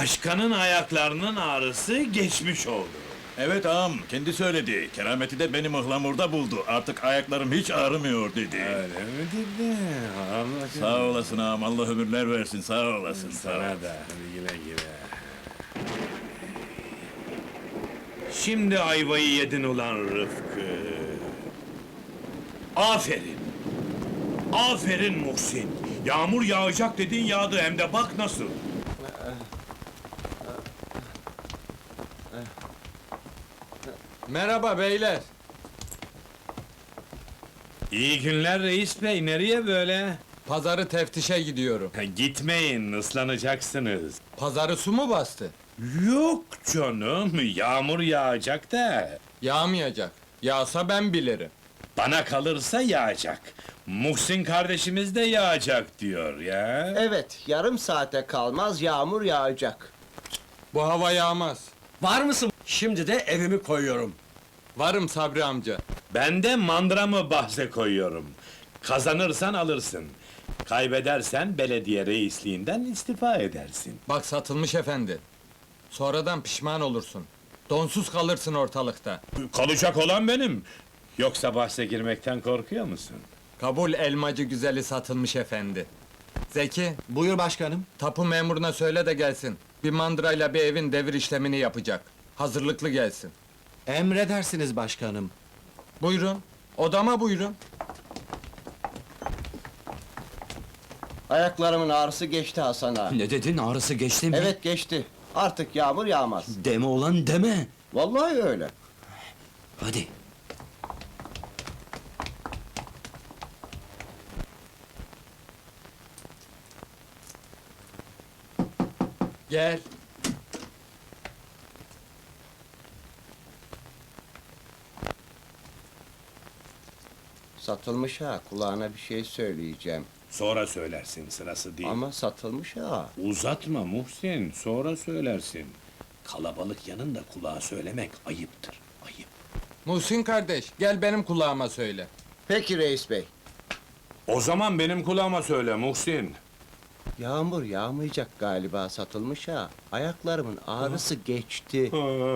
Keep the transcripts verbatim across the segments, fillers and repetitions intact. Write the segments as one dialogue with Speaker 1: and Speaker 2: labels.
Speaker 1: Başkanın ayaklarının ağrısı geçmiş oldu.
Speaker 2: Evet ağam, kendi söyledi. Kerameti de beni mıhlamurda buldu. Artık ayaklarım hiç ağrımıyor dedi.
Speaker 1: Öyle mi dedi? Allah
Speaker 2: Sağ olasın ağam, Allah ömürler versin, sağ olasın. Sağ ol.
Speaker 1: sana da. Hadi güle güle. Şimdi ayvayı yedin ulan Rıfkı. Aferin. Aferin Muhsin. Yağmur yağacak dedin yağdı hem de bak nasıl.
Speaker 3: Merhaba beyler.
Speaker 1: İyi günler reis bey, nereye böyle?
Speaker 3: Pazarı teftişe gidiyorum.
Speaker 1: Ha, gitmeyin, ıslanacaksınız.
Speaker 3: Pazarı su mu bastı?
Speaker 1: Yok canım, yağmur yağacak da.
Speaker 3: Yağmayacak. Yağsa ben bilirim.
Speaker 1: Bana kalırsa yağacak. Muhsin kardeşimiz de yağacak diyor ya.
Speaker 4: Evet, yarım saate kalmaz yağmur yağacak.
Speaker 3: Bu hava yağmaz.
Speaker 5: Var mısın? Şimdi de evimi koyuyorum.
Speaker 3: Varım Sabri amca.
Speaker 1: Ben de mandramı bahse koyuyorum. Kazanırsan alırsın. Kaybedersen belediye reisliğinden istifa edersin.
Speaker 3: Bak satılmış efendi. Sonradan pişman olursun. Donsuz kalırsın ortalıkta.
Speaker 1: Kalacak olan benim. Yoksa bahse girmekten korkuyor musun?
Speaker 3: Kabul elmacı güzeli satılmış efendi. Zeki,
Speaker 5: Buyur başkanım.
Speaker 3: tapu memuruna söyle de gelsin. Bir mandrayla bir evin devir işlemini yapacak. Hazırlıklı gelsin.
Speaker 5: Emredersiniz başkanım.
Speaker 3: Buyurun. Odama buyurun.
Speaker 4: Ayaklarımın ağrısı geçti Hasan ağa.
Speaker 5: Ne dedin, ağrısı geçti mi?
Speaker 4: Evet geçti. Artık yağmur yağmaz.
Speaker 5: Deme olan deme.
Speaker 4: Vallahi öyle.
Speaker 5: Hadi.
Speaker 3: Gel.
Speaker 4: Satılmış ha, kulağına bir şey söyleyeceğim.
Speaker 1: Sonra söylersin, sırası değil.
Speaker 4: Ama satılmış ha.
Speaker 1: Uzatma Muhsin, sonra söylersin. Kalabalık yanında kulağa söylemek ayıptır, ayıp.
Speaker 3: Muhsin kardeş, gel benim kulağıma söyle.
Speaker 4: Peki reis bey.
Speaker 1: O zaman benim kulağıma söyle Muhsin.
Speaker 4: Yağmur yağmayacak galiba satılmış ha. Ayaklarımın ağrısı geçti.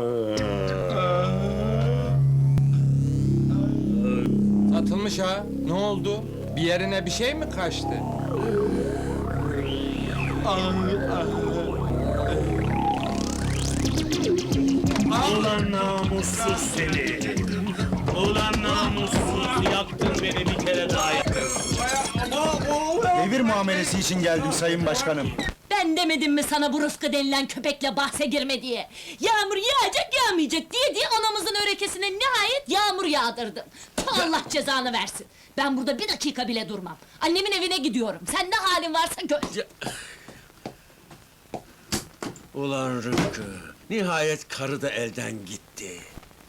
Speaker 3: Satılmış ha. Ne oldu? Bir yerine bir şey mi kaçtı?
Speaker 1: Ulan namussuz seni! Ulan namussuz, yaktın beni bir kere daha yaktın.
Speaker 6: Devir muamelesi için geldim sayın başkanım.
Speaker 7: Ben demedim mi sana bu Rıfkı denilen köpekle bahse girme diye? Yağmur yağacak yağmayacak diye diye anamızın örekesine nihayet yağmur yağdırdın. Ta Allah cezanı versin. Ben burada bir dakika bile durmam. Annemin evine gidiyorum. Sen ne halin varsa gör.
Speaker 5: Ulan Rıfkı, nihayet karı da elden gitti.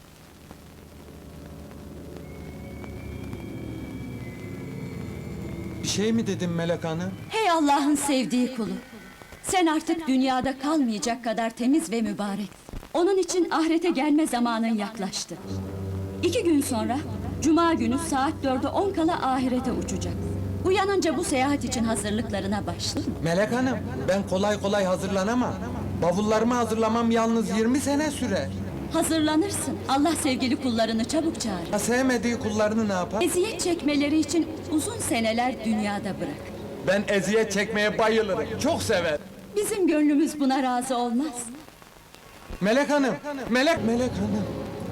Speaker 3: Bir şey mi dedim Melek Hanım?
Speaker 8: Hey Allah'ın sevdiği kulu! Sen artık dünyada kalmayacak kadar temiz ve mübarek. Onun için ahirete gelme zamanın yaklaştı. İki gün sonra, Cuma günü saat dörde on kala ahirete uçacak. Uyanınca bu seyahat için hazırlıklarına başla.
Speaker 3: Melek Hanım, ben kolay kolay hazırlanamam. Bavullarımı hazırlamam yalnız yirmi sene sürer.
Speaker 8: Hazırlanırsın. Allah sevgili kullarını çabuk çağırır.
Speaker 3: Ha, sevmediği kullarını ne yapar?
Speaker 8: Eziyet çekmeleri için uzun seneler dünyada bırak.
Speaker 3: Ben eziyet çekmeye bayılırım, çok sever.
Speaker 8: Bizim gönlümüz buna razı olmaz.
Speaker 3: Melek Hanım, Melek, Melek Hanım.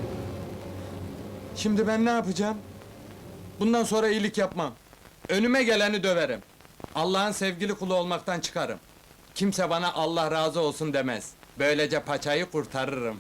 Speaker 3: Şimdi ben ne yapacağım? Bundan sonra iyilik yapmam. Önüme geleni döverim. Allah'ın sevgili kulu olmaktan çıkarım. Kimse bana Allah razı olsun demez. Böylece paçayı kurtarırım.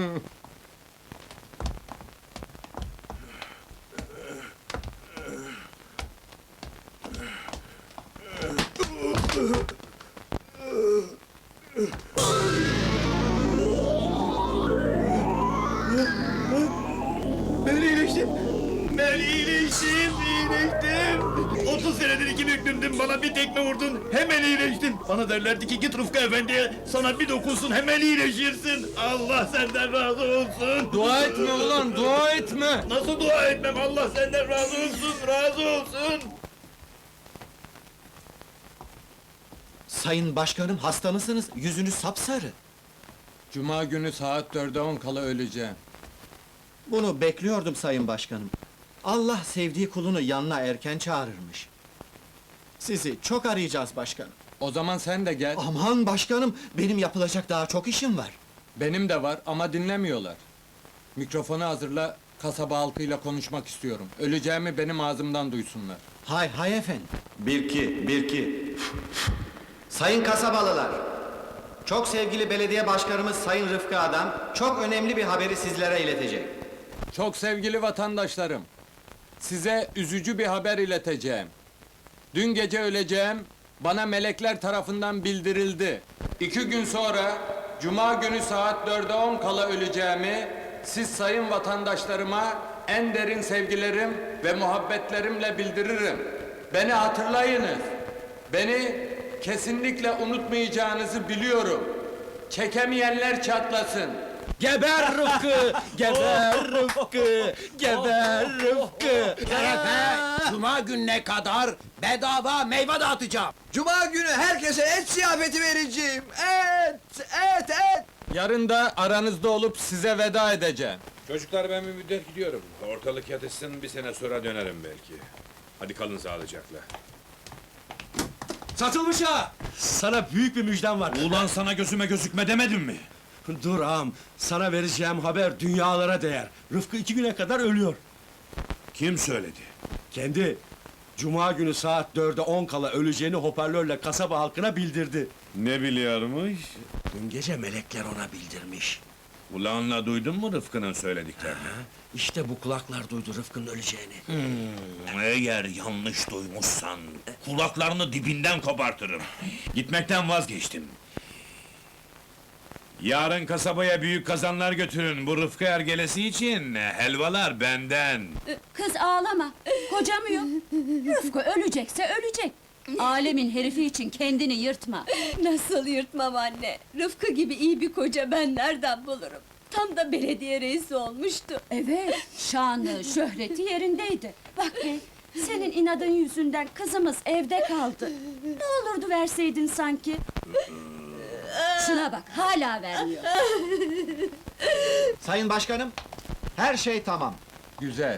Speaker 2: Ben iyileştim! Ben iyileştim, iyileştim! Otuz senedir iki büklümdüm, bana bir tekme vurdun, hemen iyileştim! Bana derlerdi ki git Rıfkı Efendi'ye, sana bir dokunsun, hemen iyileşirsin! Allah senden razı olsun!
Speaker 3: Dua etme ulan, dua etme!
Speaker 2: Nasıl dua etmem, Allah senden razı olsun, razı olsun!
Speaker 6: Sayın başkanım hasta mısınız? Yüzünüz sapsarı.
Speaker 3: Cuma günü saat dörde on kala öleceğim.
Speaker 6: Bunu bekliyordum sayın başkanım. Allah sevdiği kulunu yanına erken çağırırmış. Sizi çok arayacağız başkanım.
Speaker 3: O zaman sen de gel.
Speaker 6: Aman başkanım, benim yapılacak daha çok işim var.
Speaker 3: Benim de var ama dinlemiyorlar. Mikrofonu hazırla, kasaba halkıyla konuşmak istiyorum. Öleceğimi benim ağzımdan duysunlar.
Speaker 6: Hay hay efendim. Bir iki, bir iki. Sayın kasabalılar, çok sevgili belediye başkanımız Sayın Rıfkı Adam, çok önemli bir haberi sizlere iletecek.
Speaker 3: Çok sevgili vatandaşlarım, size üzücü bir haber ileteceğim. Dün gece öleceğim, bana melekler tarafından bildirildi. İki gün sonra, Cuma günü saat dörde on kala öleceğimi, siz sayın vatandaşlarıma en derin sevgilerim ve muhabbetlerimle bildiririm. Beni hatırlayınız. Beni kesinlikle unutmayacağınızı biliyorum. Çekemeyenler çatlasın.
Speaker 5: Geber Rıfkı! Geber Rıfkı! Geber Rıfkı!
Speaker 9: Şerefe, Cuma gününe kadar bedava meyve dağıtacağım. Cuma günü herkese et ziyafeti vereceğim. Et, et, et.
Speaker 3: Yarın da aranızda olup size veda edeceğim.
Speaker 1: Çocuklar ben bir müddet gidiyorum. Ortalık yatışsın, bir sene sonra dönerim belki. Hadi kalın sağlıcakla.
Speaker 5: Satılmış ha! Sana büyük bir müjdem var.
Speaker 2: Ulan sana gözüme gözükme demedim mi?
Speaker 5: Dur ağam, sana vereceğim haber dünyalara değer. Rıfkı iki güne kadar ölüyor.
Speaker 2: Kim söyledi?
Speaker 5: Kendi, Cuma günü saat dörde on kala öleceğini hoparlörle kasaba halkına bildirdi.
Speaker 1: Ne biliyormuş?
Speaker 9: Dün gece melekler ona bildirmiş.
Speaker 1: Kulağınla duydun mu Rıfkı'nın söylediklerini?
Speaker 9: İşte bu kulaklar duydu Rıfkı'nın öleceğini.
Speaker 1: Hmm, eğer yanlış duymuşsan, kulaklarını dibinden kopartırım. Gitmekten vazgeçtim. Yarın kasabaya büyük kazanlar götürün, bu Rıfkı ergelesi için helvalar benden.
Speaker 8: Kız ağlama, kocamıyor. Rıfkı ölecekse ölecek. Alemin herifi için kendini yırtma.
Speaker 10: Nasıl yırtmam anne? Rıfkı gibi iyi bir koca ben nereden bulurum? Tam da belediye reisi olmuştu.
Speaker 8: Evet, şanı, şöhreti yerindeydi. Bak be, senin inadın yüzünden kızımız evde kaldı. Ne olurdu verseydin sanki? Şuna bak, hala vermiyor.
Speaker 6: Sayın başkanım, her şey tamam.
Speaker 3: Güzel.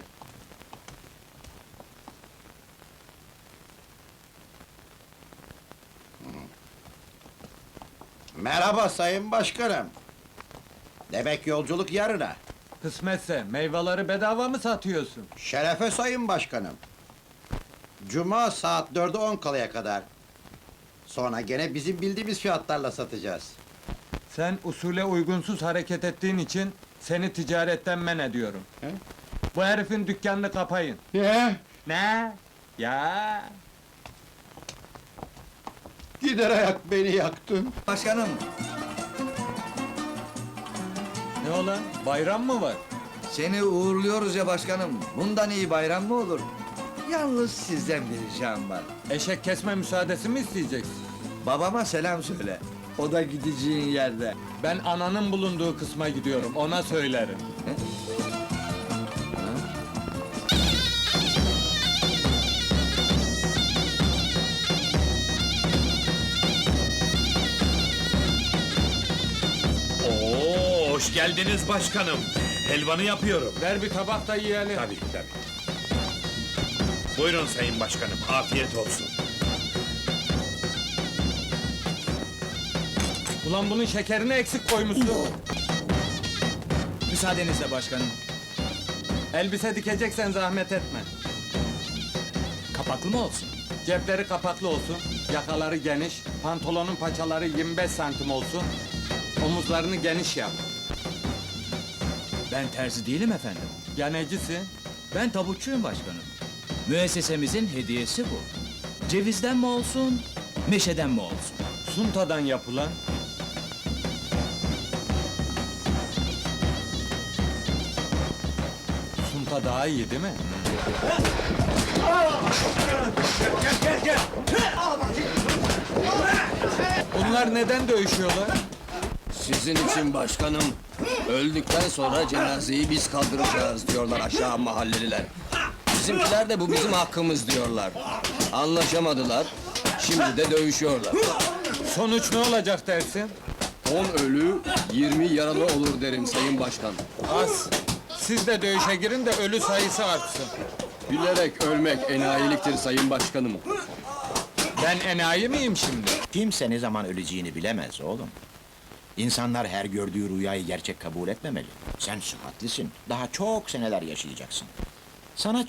Speaker 4: Merhaba sayın başkanım. Demek yolculuk yarına.
Speaker 3: Kısmetse meyveleri bedava mı satıyorsun?
Speaker 4: Şerefe sayın başkanım. Cuma saat dörde on kalaya kadar. Sonra gene bizim bildiğimiz fiyatlarla satacağız.
Speaker 3: Sen usule uygunsuz hareket ettiğin için seni ticaretten men ediyorum.
Speaker 4: He?
Speaker 3: Bu herifin dükkanını kapayın.
Speaker 4: Ye,
Speaker 3: Ne? Ya?
Speaker 4: gider ayak beni yaktın.
Speaker 9: Başkanım,
Speaker 3: Ne olan? Bayram mı var?
Speaker 9: seni uğurluyoruz ya başkanım. Bundan iyi bayram mı olur? Yalnız sizden bir ricam var.
Speaker 3: Eşek kesme müsaadesi mi isteyeceksin?
Speaker 9: Babama selam söyle. O da gideceğin yerde.
Speaker 3: Ben ananın bulunduğu kısma gidiyorum, ona söylerim.
Speaker 2: Oo, hoş geldiniz başkanım. Helvanı yapıyorum.
Speaker 3: Ver bir tabak da yiyelim.
Speaker 1: Tabii, tabii. Buyurun sayın başkanım, afiyet olsun.
Speaker 3: Ulan bunun şekerini eksik koymuşsun.
Speaker 6: Müsaadenizle başkanım.
Speaker 3: Elbise dikeceksen zahmet etme.
Speaker 6: Kapaklı mı olsun?
Speaker 3: Cepleri kapaklı olsun, yakaları geniş, pantolonun paçaları yirmi beş santim olsun, omuzlarını geniş yap.
Speaker 6: Ben terzi değilim efendim.
Speaker 3: Ya necisin?
Speaker 6: Ben tabutçuyum başkanım. Müessesemizin hediyesi bu. Cevizden mi olsun, meşeden mi olsun?
Speaker 3: Suntadan yapılan. Sunta daha iyi değil mi? Bunlar neden dövüşüyorlar?
Speaker 9: Sizin için başkanım. Öldükten sonra cenazeyi biz kaldıracağız diyorlar aşağı mahalleliler. Bizimkiler de bu bizim hakkımız diyorlar. Anlaşamadılar. Şimdi de dövüşüyorlar.
Speaker 3: Sonuç ne olacak dersin?
Speaker 11: on ölü, yirmi yaralı olur derim Sayın Başkan.
Speaker 3: Az. Siz de dövüşe girin de ölü sayısı artsın.
Speaker 11: Bilerek ölmek enayiliktir Sayın Başkanım.
Speaker 3: Ben enayi miyim şimdi?
Speaker 12: Kimse ne zaman öleceğini bilemez oğlum. İnsanlar her gördüğü rüyayı gerçek kabul etmemeli. Sen sıhhatlisin, daha çok seneler yaşayacaksın. Sana